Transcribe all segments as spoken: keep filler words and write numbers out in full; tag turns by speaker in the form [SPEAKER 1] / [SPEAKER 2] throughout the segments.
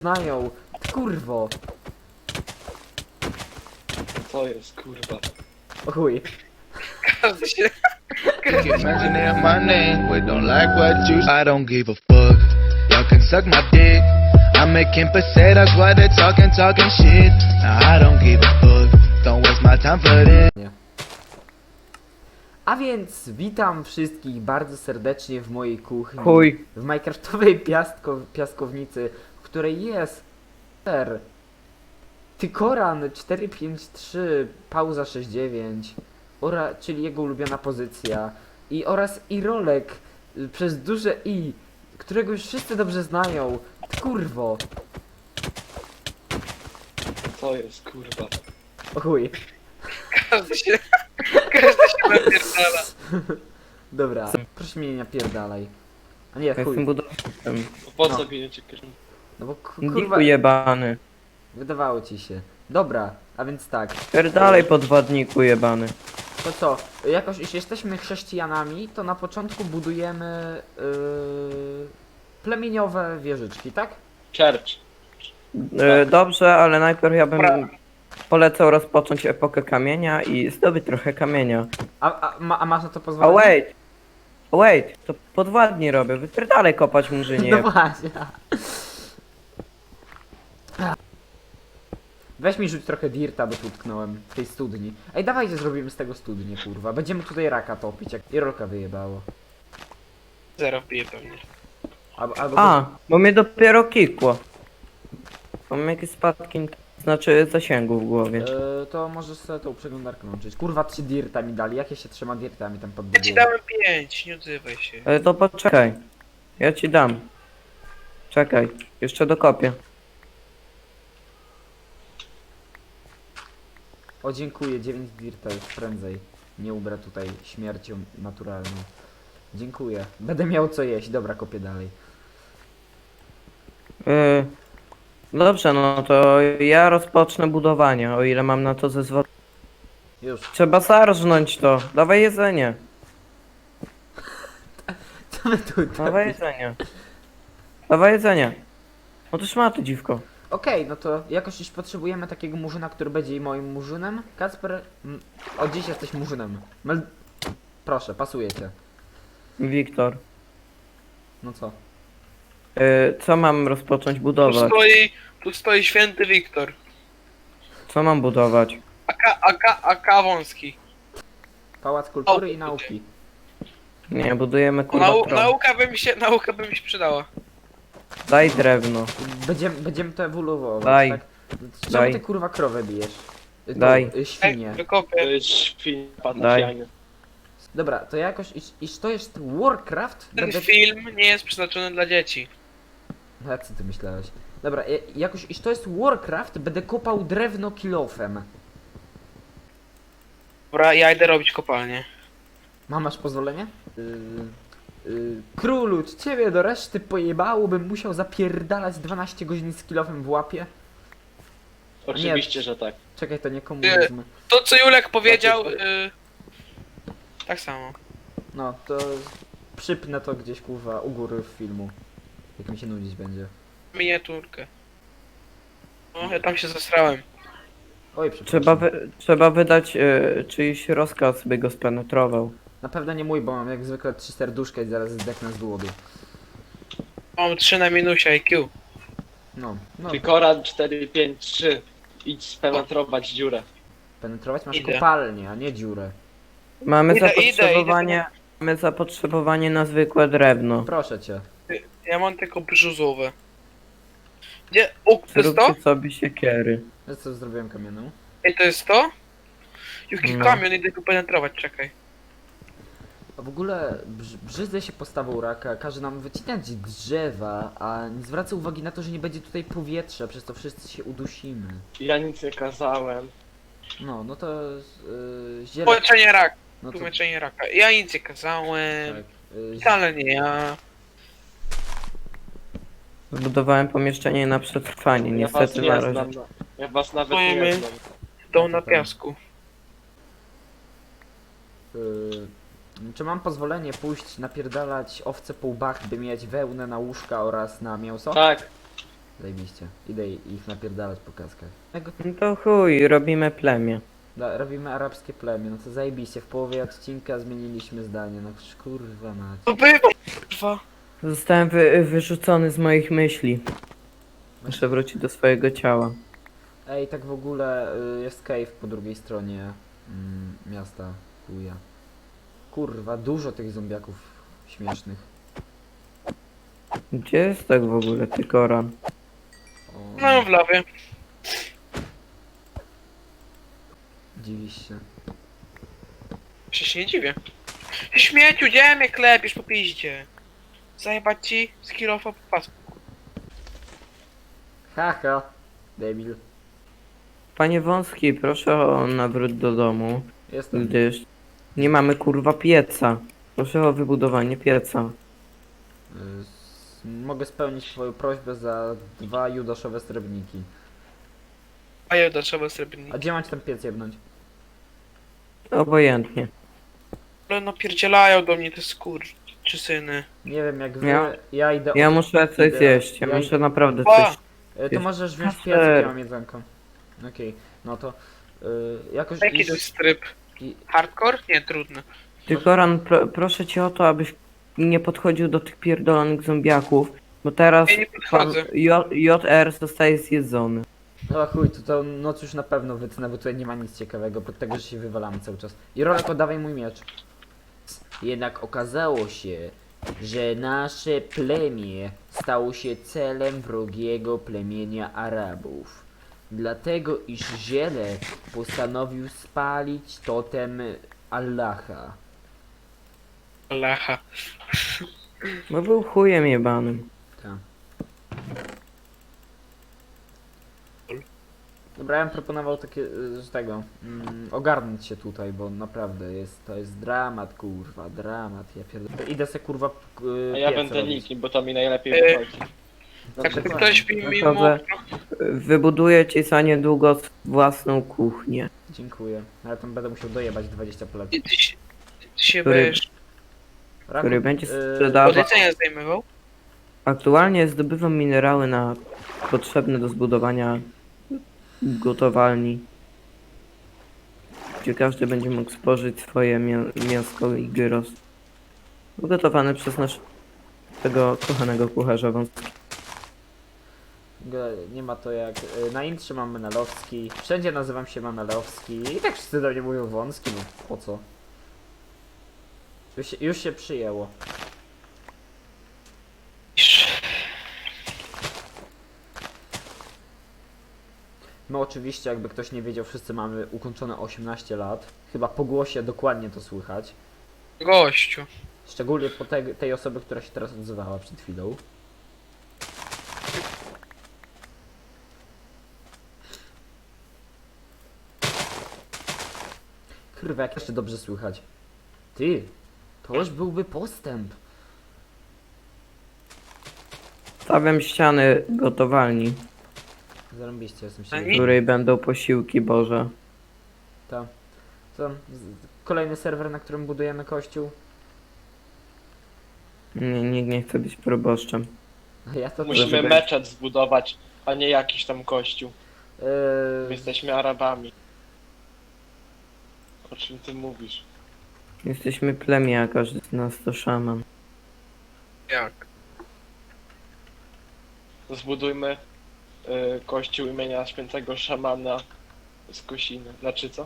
[SPEAKER 1] znają. Kurwo.
[SPEAKER 2] To jest kurwa.
[SPEAKER 1] O chuj.
[SPEAKER 2] Każdy się...
[SPEAKER 3] Imagine in my name, but don't like what you. I don't give a fuck. Y'all can suck my dick. I'm making pesetas while they're talking, talking shit. Now I don't give a fuck. Don't waste my time for this.
[SPEAKER 1] A więc witam wszystkich bardzo serdecznie w mojej kuchni.
[SPEAKER 4] Chuj.
[SPEAKER 1] W minecraftowej piastko, piaskownicy, w której jest ser, Tykoran cztery pięć trzy, pauza sześć dziewięć, ora, czyli jego ulubiona pozycja, i oraz Irolek y, przez duże I, którego już wszyscy dobrze znają. Kurwo.
[SPEAKER 2] To jest kurwa.
[SPEAKER 1] O chuj.
[SPEAKER 2] Każdy się... Każdy się napierdala.
[SPEAKER 1] Dobra, proszę mnie nie napierdalaj. A nie, chuj.
[SPEAKER 4] Jestem budowniczym.
[SPEAKER 2] Po
[SPEAKER 1] No.
[SPEAKER 2] co bijecie kierunku?
[SPEAKER 1] No bo ku-
[SPEAKER 4] Diku
[SPEAKER 1] kurwa,
[SPEAKER 4] jebany.
[SPEAKER 1] wydawało ci się. Dobra, a więc tak.
[SPEAKER 4] Pierdalej podwładniku jebany.
[SPEAKER 1] To co, jakoś jeśli jesteśmy chrześcijanami, to na początku budujemy yy, plemieniowe wieżyczki, tak?
[SPEAKER 2] Church.
[SPEAKER 4] E, dobrze, ale najpierw ja bym
[SPEAKER 2] Dobra.
[SPEAKER 4] polecał rozpocząć epokę kamienia i zdobyć trochę kamienia.
[SPEAKER 1] A, a, ma, a masz na to
[SPEAKER 4] A
[SPEAKER 1] pozwolenie?
[SPEAKER 4] wait! Wait, to podwładnie robię. Wypierdalej kopać murzynie.
[SPEAKER 1] No właśnie. Weź mi rzuć trochę dirta, bo tu utknąłem w tej studni. Ej, dawajcie zrobimy z tego studnię, kurwa. Będziemy tutaj raka topić, jak Irolka wyjebało.
[SPEAKER 2] Zero bije pewnie.
[SPEAKER 1] Albo, albo
[SPEAKER 4] A, bo mnie dopiero kikło. Mam jakieś spadki, znaczy zasięgu w głowie.
[SPEAKER 1] Yy, to możesz sobie tą przeglądarkę łączyć. Kurwa, trzy dirta mi dali. Jakie się trzyma dirtami tam pod
[SPEAKER 2] Ja ci dałem pięć, nie odzywaj się.
[SPEAKER 4] Ale to poczekaj. Ja ci dam. Czekaj, jeszcze dokopię.
[SPEAKER 1] O, dziękuję, dziewięć dirta już prędzej. Nie ubrę tutaj śmiercią naturalną. Dziękuję. Będę miał co jeść. Dobra, kopię dalej.
[SPEAKER 4] Yy, dobrze, no to ja rozpocznę budowanie, o ile mam na to zezwolenie.
[SPEAKER 1] Już.
[SPEAKER 4] Trzeba zarżnąć to. Dawaj jedzenie.
[SPEAKER 1] Co my tu
[SPEAKER 4] Dawaj jedzenie. Dawaj jedzenie. No to szmaty, dziwko.
[SPEAKER 1] Okej, no to jakoś już potrzebujemy takiego murzyna, który będzie moim murzynem. Kacper, mm, od dziś jesteś murzynem. Mel... Proszę, pasuje cię.
[SPEAKER 4] Wiktor.
[SPEAKER 1] No co?
[SPEAKER 4] Yy, co mam rozpocząć
[SPEAKER 2] Tu
[SPEAKER 4] budować?
[SPEAKER 2] stoi... Tu stoi święty Wiktor.
[SPEAKER 4] Co mam budować?
[SPEAKER 2] Aka, aka, aka wąski.
[SPEAKER 1] Pałac kultury
[SPEAKER 2] O,
[SPEAKER 1] i nauki.
[SPEAKER 4] Nie, budujemy kurwa
[SPEAKER 2] Nau,
[SPEAKER 4] tron.
[SPEAKER 2] nauka by mi się... Nauka by mi się przydała.
[SPEAKER 4] Daj drewno.
[SPEAKER 1] Będziemy, będziemy to ewoluować,
[SPEAKER 4] Daj.
[SPEAKER 1] tak? Czemu
[SPEAKER 4] Daj.
[SPEAKER 1] ty kurwa krowę bijesz? Y, tą,
[SPEAKER 4] Daj.
[SPEAKER 1] y,
[SPEAKER 2] Ej,
[SPEAKER 1] Świnie.
[SPEAKER 2] wykopię.
[SPEAKER 5] To jest świn
[SPEAKER 4] Daj.
[SPEAKER 5] patafianie.
[SPEAKER 1] Dobra, to jakoś, iż, iż to jest Warcraft?
[SPEAKER 2] Ten
[SPEAKER 1] Będę...
[SPEAKER 2] film nie jest przeznaczony dla dzieci.
[SPEAKER 1] No jak co ty myślałeś? Dobra, ja- jakoś, iż to jest Warcraft, będę kopał drewno kilofem.
[SPEAKER 2] Dobra, ja idę robić kopalnię.
[SPEAKER 1] Mam masz pozwolenie? Yy, yy, królu, czy ciebie do reszty pojebało, bym musiał zapierdalać dwanaście godzin z kilofem w łapie?
[SPEAKER 5] Oczywiście, że tak.
[SPEAKER 1] Czekaj, to nie komunizm.
[SPEAKER 2] To co Julek powiedział...
[SPEAKER 5] Znaczy,
[SPEAKER 2] Y... Tak samo.
[SPEAKER 1] No, to przypnę to gdzieś, kurwa, u góry w filmu. Jak mi się nudzić będzie.
[SPEAKER 2] Miniaturkę. No, ja tam się zasrałem.
[SPEAKER 1] Oj, przepraszam.
[SPEAKER 4] Trzeba, wy, trzeba wydać yy, czyjś rozkaz, by go spenetrował.
[SPEAKER 1] Na pewno nie mój, bo mam jak zwykle trzy serduszka i zaraz zdechnę z głodu.
[SPEAKER 2] Mam trzy na minusie I Q.
[SPEAKER 1] No, no,
[SPEAKER 5] Tykoran cztery pięć trzy. Idź spenetrować dziurę.
[SPEAKER 1] penetrować masz
[SPEAKER 2] Idę.
[SPEAKER 1] kopalnię, a nie dziurę.
[SPEAKER 4] Mamy
[SPEAKER 2] Idę,
[SPEAKER 4] zapotrzebowanie.
[SPEAKER 2] idę,
[SPEAKER 4] Mamy zapotrzebowanie na zwykłe drewno.
[SPEAKER 1] Proszę cię.
[SPEAKER 2] Ja mam tylko brzuzowe. Gdzie? O, to jest to?
[SPEAKER 4] Zróbcie sobie siekiery.
[SPEAKER 1] Ja co zrobiłem kamienną?
[SPEAKER 2] Ej, to jest to? Jaki
[SPEAKER 4] No.
[SPEAKER 2] kamion, idę tu penetrować, czekaj.
[SPEAKER 1] A w ogóle brz brzydzę się postawą raka, każe nam wycinać drzewa, a nie zwraca uwagi na to, że nie będzie tutaj powietrza, przez to wszyscy się udusimy.
[SPEAKER 5] Ja nic nie kazałem.
[SPEAKER 1] No, no to yy, ziele...
[SPEAKER 2] Tłumaczenie raka,
[SPEAKER 1] No to,
[SPEAKER 2] tłumaczenie raka. Ja nic nie kazałem.
[SPEAKER 1] tak, yy, zie-
[SPEAKER 2] Wcale nie ja.
[SPEAKER 4] Zbudowałem pomieszczenie na przetrwanie,
[SPEAKER 5] Ja was
[SPEAKER 4] niestety na
[SPEAKER 5] nie
[SPEAKER 4] razie.
[SPEAKER 5] znam. Ja was nawet
[SPEAKER 2] Stoimy.
[SPEAKER 5] nie znam.
[SPEAKER 2] Dom na piasku.
[SPEAKER 1] yy, czy mam pozwolenie pójść napierdalać owce po łbach, by mieć wełnę na łóżka oraz na mięso?
[SPEAKER 5] Tak,
[SPEAKER 1] Zajebiście. Idę ich napierdalać po kaskach. Tego-
[SPEAKER 4] No to chuj, robimy plemię.
[SPEAKER 1] Da, robimy arabskie plemię, no to zajebiście. W połowie odcinka zmieniliśmy zdanie, no kurwa mać.
[SPEAKER 2] To bywa, kurwa.
[SPEAKER 4] Zostałem wy, wyrzucony z moich myśli. Muszę wrócić do swojego ciała.
[SPEAKER 1] Ej, tak w ogóle y, jest cave po drugiej stronie mm, miasta chuja. Kurwa, dużo tych zombiaków śmiesznych.
[SPEAKER 4] Gdzie jest tak w ogóle ty Koran?
[SPEAKER 1] O,
[SPEAKER 2] No w lawie.
[SPEAKER 1] dziwisz się.
[SPEAKER 2] Się się nie dziwię. Śmieciu, gdzie mnie klepisz po piździe? Zajebać ci z kilofa po pasku.
[SPEAKER 1] Haha, debil.
[SPEAKER 4] Panie Wąski, proszę o nawrót do domu,
[SPEAKER 1] Jestem.
[SPEAKER 4] gdyż nie mamy kurwa pieca. Proszę o wybudowanie pieca.
[SPEAKER 1] Y, s- mogę spełnić twoją prośbę za dwa judaszowe srebrniki.
[SPEAKER 2] A ja do trzeba srebrni.
[SPEAKER 1] A gdzie macie ten piec jebnąć?
[SPEAKER 4] Obojętnie.
[SPEAKER 2] Ale napierdzielają do mnie te skur... czy syny.
[SPEAKER 1] Nie wiem jak wy,
[SPEAKER 4] Ja-
[SPEAKER 1] ja idę
[SPEAKER 4] Ja
[SPEAKER 1] od-
[SPEAKER 4] muszę coś
[SPEAKER 1] idę-
[SPEAKER 4] zjeść, ja
[SPEAKER 1] ja
[SPEAKER 4] muszę
[SPEAKER 1] idę-
[SPEAKER 4] naprawdę
[SPEAKER 2] A!
[SPEAKER 4] coś...
[SPEAKER 1] Y, to
[SPEAKER 4] jest-
[SPEAKER 1] możesz wziąć piec,
[SPEAKER 4] Kasper.
[SPEAKER 1] jak ja mam jedzonko. Okej, no to y, jakoś
[SPEAKER 2] Jaki
[SPEAKER 1] iść-
[SPEAKER 2] to jest tryb?
[SPEAKER 1] i-
[SPEAKER 2] Hardcore? Nie, trudny.
[SPEAKER 4] Ty Koran, pro, proszę cię o to, abyś nie podchodził do tych pierdolonych zombiaków, bo teraz
[SPEAKER 2] Ja nie
[SPEAKER 4] pan
[SPEAKER 2] podchodzę.
[SPEAKER 4] J- JR zostaje zjedzony.
[SPEAKER 1] No chuj, to tą noc już na pewno wytnę, bo tutaj nie ma nic ciekawego, pod tego, że się wywalamy cały czas. I Rolek, oddawaj mój miecz. Jednak okazało się, że nasze plemię stało się celem wrogiego plemienia Arabów. Dlatego, iż Ziele postanowił spalić totem Allaha.
[SPEAKER 2] Lacha.
[SPEAKER 4] Bo był chujem jebanym.
[SPEAKER 1] Tak. Dobra, ja bym proponował takie, y, z tego, mm, ogarnąć się tutaj, bo naprawdę jest, to jest dramat, kurwa, dramat, ja pierdolę. Idę se, kurwa, k-
[SPEAKER 5] A ja
[SPEAKER 1] piec
[SPEAKER 5] będę
[SPEAKER 1] robić.
[SPEAKER 5] nikim, bo to mi najlepiej
[SPEAKER 2] E,
[SPEAKER 5] wychodzi.
[SPEAKER 1] No,
[SPEAKER 2] Jak
[SPEAKER 1] dokładnie.
[SPEAKER 2] ktoś mi mi
[SPEAKER 4] Gotowe.
[SPEAKER 2] mógł...
[SPEAKER 4] Wybuduję ci za niedługo własną kuchnię.
[SPEAKER 1] Dziękuję, ale tam będę musiał dojebać dwadzieścia plat.
[SPEAKER 2] Ty, ty, się- ty się
[SPEAKER 4] Który-
[SPEAKER 2] będziesz
[SPEAKER 4] który będzie
[SPEAKER 1] y,
[SPEAKER 4] sprzedawał-
[SPEAKER 2] od jedzenia zdejmował?
[SPEAKER 4] Aktualnie zdobywam minerały na potrzebne do zbudowania gotowalni, gdzie każdy będzie mógł spożyć swoje mię- mięsko i gyros. Ugotowane przez naszego kochanego kucharza Wąskiego.
[SPEAKER 1] G- Nie ma to jak. y, Na intrze mam Menelowski. Wszędzie nazywam się Menelowski. I tak wszyscy do mnie mówią wąski, no po co? Już się, już się przyjęło. My oczywiście, jakby ktoś nie wiedział, wszyscy mamy ukończone osiemnaście lat. Chyba po głosie dokładnie to słychać.
[SPEAKER 2] Gościu.
[SPEAKER 1] Szczególnie po tej, tej osoby, która się teraz odzywała przed chwilą. Kurwa, jak jeszcze dobrze słychać. Ty, to już byłby postęp.
[SPEAKER 4] Stawiam ściany gotowalni,
[SPEAKER 1] Zarąbiście, jestem
[SPEAKER 2] A
[SPEAKER 1] się.
[SPEAKER 4] w
[SPEAKER 2] nie-
[SPEAKER 4] której będą posiłki Boże.
[SPEAKER 1] To, to z- kolejny serwer, na którym budujemy kościół.
[SPEAKER 4] Nie, nikt nie chce być proboszczem.
[SPEAKER 1] A ja to
[SPEAKER 5] Musimy
[SPEAKER 4] żeby-
[SPEAKER 5] meczet zbudować, a nie jakiś tam kościół. My
[SPEAKER 1] Yy,
[SPEAKER 5] jesteśmy Arabami. O czym ty mówisz?
[SPEAKER 4] Jesteśmy plemię, a każdy z nas to szaman.
[SPEAKER 2] Jak?
[SPEAKER 5] Zbudujmy y, kościół imienia świętego szamana z Kosiny. Znaczy co?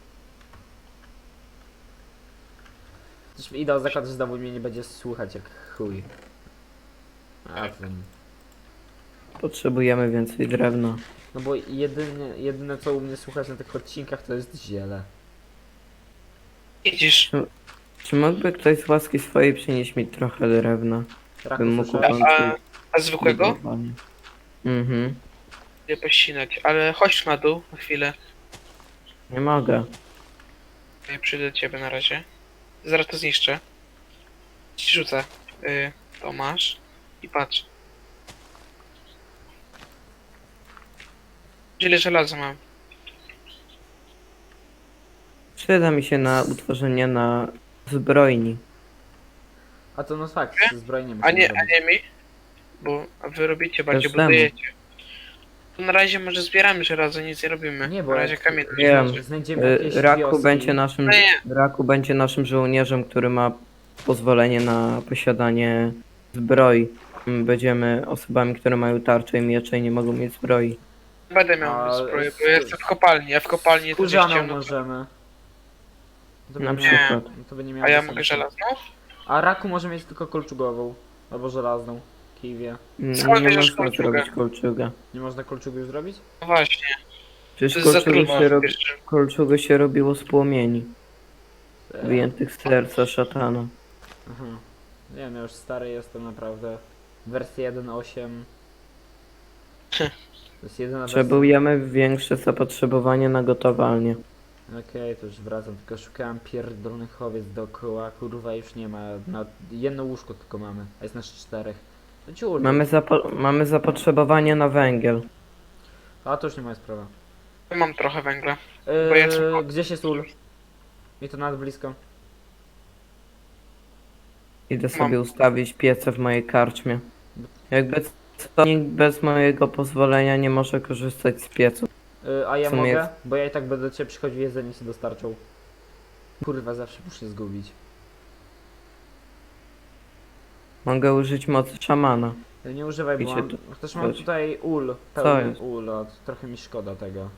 [SPEAKER 1] Coś mi idę o zakład, że znowu mnie nie będzie słuchać jak chuj. A
[SPEAKER 2] Tak.
[SPEAKER 1] ten.
[SPEAKER 4] Potrzebujemy więcej drewna.
[SPEAKER 1] No bo jedynie, jedyne co u mnie słuchać na tych odcinkach to jest ziele.
[SPEAKER 2] Idziesz.
[SPEAKER 4] Czy mógłby ktoś z łaski swojej przynieść mi trochę drewna?
[SPEAKER 1] Raku,
[SPEAKER 4] Bym mógł
[SPEAKER 1] słyszałeś?
[SPEAKER 2] A, a zwykłego?
[SPEAKER 4] budowanie. Mhm.
[SPEAKER 2] Nie pościnać, ale chodź na dół na chwilę.
[SPEAKER 4] Nie mogę.
[SPEAKER 2] Ja przyjdę do ciebie na razie. Zaraz to zniszczę. Ci rzucę. Y, to masz. I patrz. Ile żelaza mam?
[SPEAKER 4] Przyda mi się na utworzenie na zbrojni.
[SPEAKER 1] A to no fakt, ze zbrojeniem
[SPEAKER 2] A
[SPEAKER 1] musimy
[SPEAKER 2] nie, a
[SPEAKER 1] zrobić.
[SPEAKER 2] nie mi? Bo a wy robicie, bardziej
[SPEAKER 4] Każdemu.
[SPEAKER 2] budujecie. Na razie może zbieramy żelazo, nic nie robimy.
[SPEAKER 1] Nie, bo
[SPEAKER 2] na razie
[SPEAKER 1] jak-
[SPEAKER 2] kamień.
[SPEAKER 4] Wiem.
[SPEAKER 1] Znajdziemy
[SPEAKER 4] Y,
[SPEAKER 1] jakieś
[SPEAKER 4] Raku
[SPEAKER 1] wioski.
[SPEAKER 4] będzie naszym,
[SPEAKER 2] No nie.
[SPEAKER 4] Raku będzie naszym żołnierzem, który ma pozwolenie na posiadanie zbroi. Mm, Będziemy osobami, które mają tarcze i miecze i nie mogą mieć zbroi.
[SPEAKER 2] Będę miał
[SPEAKER 1] A,
[SPEAKER 2] zbroję, bo
[SPEAKER 1] z-
[SPEAKER 2] ja jestem w kopalni, a w kopalni to gdzieś
[SPEAKER 1] Skórzaną
[SPEAKER 2] ciemno.
[SPEAKER 1] możemy. To
[SPEAKER 4] Na
[SPEAKER 1] będzie miało-
[SPEAKER 4] przykład.
[SPEAKER 1] To będzie miało
[SPEAKER 2] A ja
[SPEAKER 1] sensu.
[SPEAKER 2] mogę żelazną?
[SPEAKER 1] A raku może mieć tylko kolczugową. Albo żelazną. Kiwie.
[SPEAKER 4] Mm,
[SPEAKER 2] Skąd
[SPEAKER 4] Nie
[SPEAKER 2] bierzesz
[SPEAKER 4] można
[SPEAKER 2] kolczugę?
[SPEAKER 4] zrobić kolczuga.
[SPEAKER 1] Nie można kolczugu już zrobić?
[SPEAKER 2] No właśnie,
[SPEAKER 4] Przecież
[SPEAKER 2] to jest za
[SPEAKER 4] kolczugę
[SPEAKER 2] trudno.
[SPEAKER 4] się, robi,
[SPEAKER 2] wiesz,
[SPEAKER 4] kolczugę się robiło z płomieni,
[SPEAKER 1] E,
[SPEAKER 4] wyjętych z serca szatana.
[SPEAKER 1] Aha. Nie wiem, ja już stary jestem naprawdę. Wersja jeden osiem. To jest jedyna wersja.
[SPEAKER 4] Potrzebujemy większe zapotrzebowanie na gotowalnię.
[SPEAKER 1] Okej, to już wracam, tylko szukałem pierdolonych owiec dookoła, kurwa już nie ma, na jedno łóżko tylko mamy, a jest nas czterech. No ciur,
[SPEAKER 4] Mamy, zapo mamy zapotrzebowanie na węgiel.
[SPEAKER 1] a to już nie moja sprawa.
[SPEAKER 2] mam trochę węgla.
[SPEAKER 1] Yy,
[SPEAKER 2] Bo ja tylko-
[SPEAKER 1] gdzieś jest ul? I to nawet blisko.
[SPEAKER 4] Idę
[SPEAKER 2] Mam.
[SPEAKER 4] sobie ustawić piece w mojej karczmie. Jakby co, nikt bez mojego pozwolenia nie może korzystać z piecu.
[SPEAKER 1] Yy, a ja
[SPEAKER 4] W sumie
[SPEAKER 1] mogę?
[SPEAKER 4] jest-
[SPEAKER 1] Bo ja i tak będę do ciebie przychodził, jedzenie się dostarczał. Kurwa, zawsze muszę zgubić.
[SPEAKER 4] Mogę użyć mocy szamana.
[SPEAKER 1] Yy, Nie używaj, bo
[SPEAKER 4] Wiecie,
[SPEAKER 1] mam,
[SPEAKER 4] to-
[SPEAKER 1] też mam
[SPEAKER 4] chodź.
[SPEAKER 1] tutaj ul,
[SPEAKER 4] Co
[SPEAKER 1] pełny
[SPEAKER 4] jest?
[SPEAKER 1] ul, a trochę mi szkoda tego.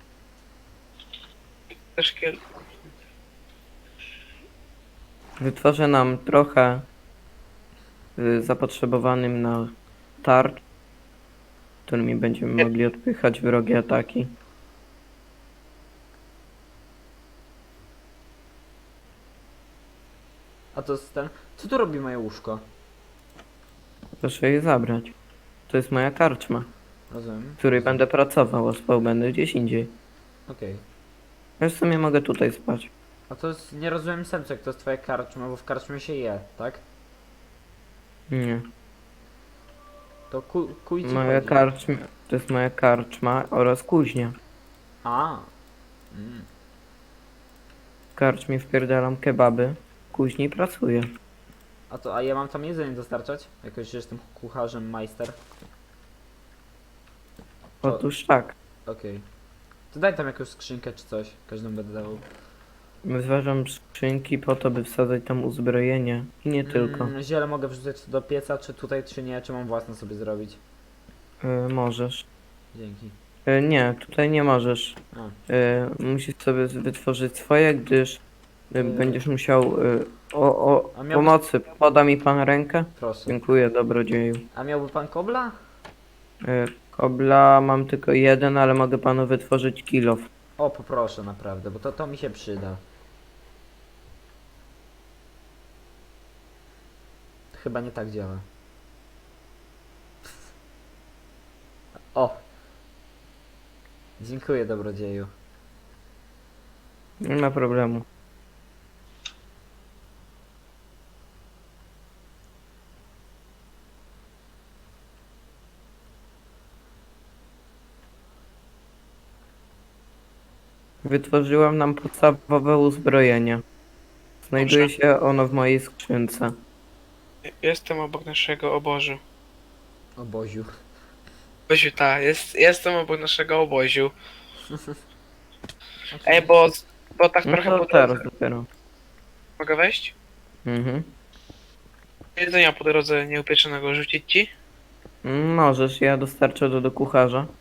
[SPEAKER 2] Też kiel...
[SPEAKER 4] Wytworzę nam trochę y, zapotrzebowanym na tarcz, którymi będziemy mogli odpychać wrogie ataki.
[SPEAKER 1] A to jest ten, co tu robi moje łóżko?
[SPEAKER 4] Proszę je zabrać. To jest moja karczma,
[SPEAKER 1] Rozumiem.
[SPEAKER 4] w której będę pracował, a spał będę gdzieś indziej.
[SPEAKER 1] Okej.
[SPEAKER 4] Ja w sumie mogę tutaj spać.
[SPEAKER 1] A to jest, nie rozumiem sensu, jak to jest twoja karczma, bo w karczmie się je, tak?
[SPEAKER 4] Nie.
[SPEAKER 1] To ku, kuj ci
[SPEAKER 4] Moja
[SPEAKER 1] chodzi.
[SPEAKER 4] karczma, to jest moja karczma oraz kuźnia.
[SPEAKER 1] A. Mm.
[SPEAKER 4] W karczmie wpierdalam kebaby, w kuźni pracuję.
[SPEAKER 1] A to, a ja mam tam jedzenie dostarczać? Jakoś, że jestem kucharzem, majster. To-
[SPEAKER 4] Otóż tak.
[SPEAKER 1] Okej. To daj tam jakąś skrzynkę czy coś, każdemu będę dawał.
[SPEAKER 4] Wyważam skrzynki po to, by wsadzać tam uzbrojenie. I nie tylko.
[SPEAKER 1] Mm, ziele mogę wrzucać do pieca, czy tutaj, czy nie, czy mam własne sobie zrobić.
[SPEAKER 4] Y, możesz.
[SPEAKER 1] Dzięki.
[SPEAKER 4] Y, nie, tutaj nie możesz.
[SPEAKER 1] A.
[SPEAKER 4] Y, musisz sobie wytworzyć swoje, gdyż y,
[SPEAKER 1] Y.
[SPEAKER 4] będziesz musiał... Y, o, o,
[SPEAKER 1] A miałbyś-
[SPEAKER 4] pomocy. Poda mi pan rękę?
[SPEAKER 1] Proszę.
[SPEAKER 4] Dziękuję, dobrodzieju.
[SPEAKER 1] A miałby pan kobla?
[SPEAKER 4] Y, kobla mam tylko jeden, ale mogę panu wytworzyć kilof.
[SPEAKER 1] O, poproszę naprawdę, bo to, to mi się przyda. Chyba nie tak działa. O! Dziękuję, dobrodzieju.
[SPEAKER 4] Nie ma problemu. Wytworzyłam nam podstawowe uzbrojenie. Znajduje
[SPEAKER 2] Dobrze.
[SPEAKER 4] się ono w mojej skrzynce.
[SPEAKER 2] Jestem obok naszego obozu.
[SPEAKER 1] Oboziu.
[SPEAKER 2] Oboziu, tak, jest, jestem obok naszego oboziu. Ej, bo, bo tak
[SPEAKER 4] No
[SPEAKER 2] trochę
[SPEAKER 4] to
[SPEAKER 2] po
[SPEAKER 4] teraz
[SPEAKER 2] drodze.
[SPEAKER 4] dopiero.
[SPEAKER 2] Mogę wejść?
[SPEAKER 4] Mhm.
[SPEAKER 2] Jedzenia po drodze nieupieczonego rzucić ci?
[SPEAKER 4] Mm, Możesz, ja dostarczę to do kucharza.